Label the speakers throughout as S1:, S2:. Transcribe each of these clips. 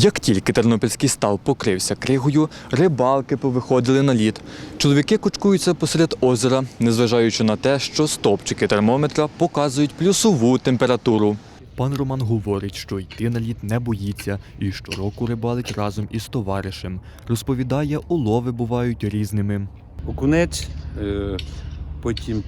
S1: Як тільки Тернопільський став покрився кригою, рибалки повиходили на лід. Чоловіки кучкуються посеред озера, незважаючи на те, що стовпчики термометра показують плюсову температуру. Пан Роман говорить, що йти на лід не боїться і щороку рибалить разом із товаришем. Розповідає, улови бувають різними.
S2: Окунець, потім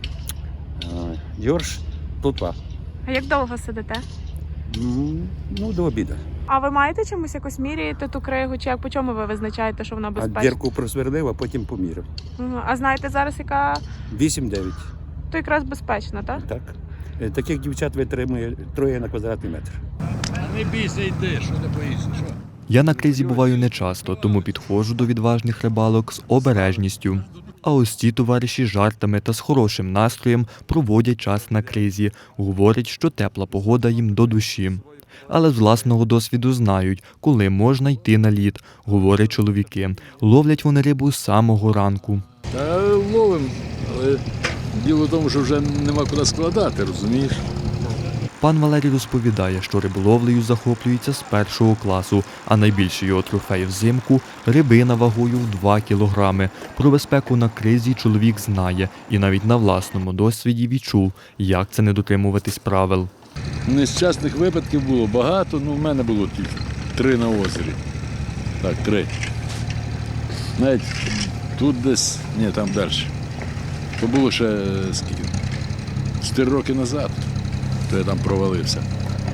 S2: йорш, плотва.
S3: А як довго сидите?
S2: Ну, до обіду.
S3: А ви маєте чимось якось міряєте ту кригу? Чи як по чому ви визначаєте, що вона
S2: А
S3: безпечна?
S2: дірку просверлив, а потім поміряв.
S3: А знаєте зараз, яка
S2: 8-9.
S3: то якраз безпечна, так?
S2: Так. Таких дівчат витримує 3 на квадратний метр.
S4: Не бійся, йди, що не боїшся, що?
S1: Я на кризі буваю нечасто, тому підходжу до відважних рибалок з обережністю. А ось ці товариші жартами та з хорошим настроєм проводять час на кризі. Говорять, що тепла погода їм до душі. Але з власного досвіду знають, коли можна йти на лід, говорять чоловіки. Ловлять вони рибу з самого ранку.
S4: Та ловим, але діло в тому, що вже нема куди складати, розумієш?
S1: Пан Валерій розповідає, що риболовлею захоплюється з 1 класу, а найбільший його трофей взимку – рибина вагою в 2 кілограми. Про безпеку на кризі чоловік знає і навіть на власному досвіді відчув, як це не дотримуватись правил.
S4: Нещасних випадків було багато, в мене було тільки 3 на озері. Так, 3. Навіть тут десь, там далі. То було ще скільки? 4 роки назад, то я там провалився.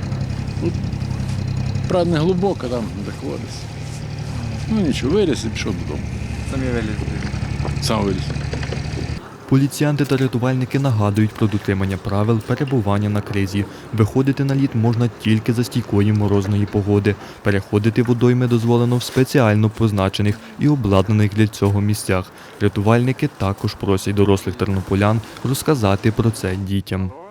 S4: Правда, не глибоко, там заходиться. Нічого, виліз і пішов додому.
S1: Самі вилізли.
S4: Сам виліз.
S1: Поліціянти та рятувальники нагадують про дотримання правил перебування на кризі. Виходити на лід можна тільки за стійкої морозної погоди. Переходити водойми дозволено в спеціально позначених і обладнаних для цього місцях. Рятувальники також просять дорослих тернополян розказати про це дітям.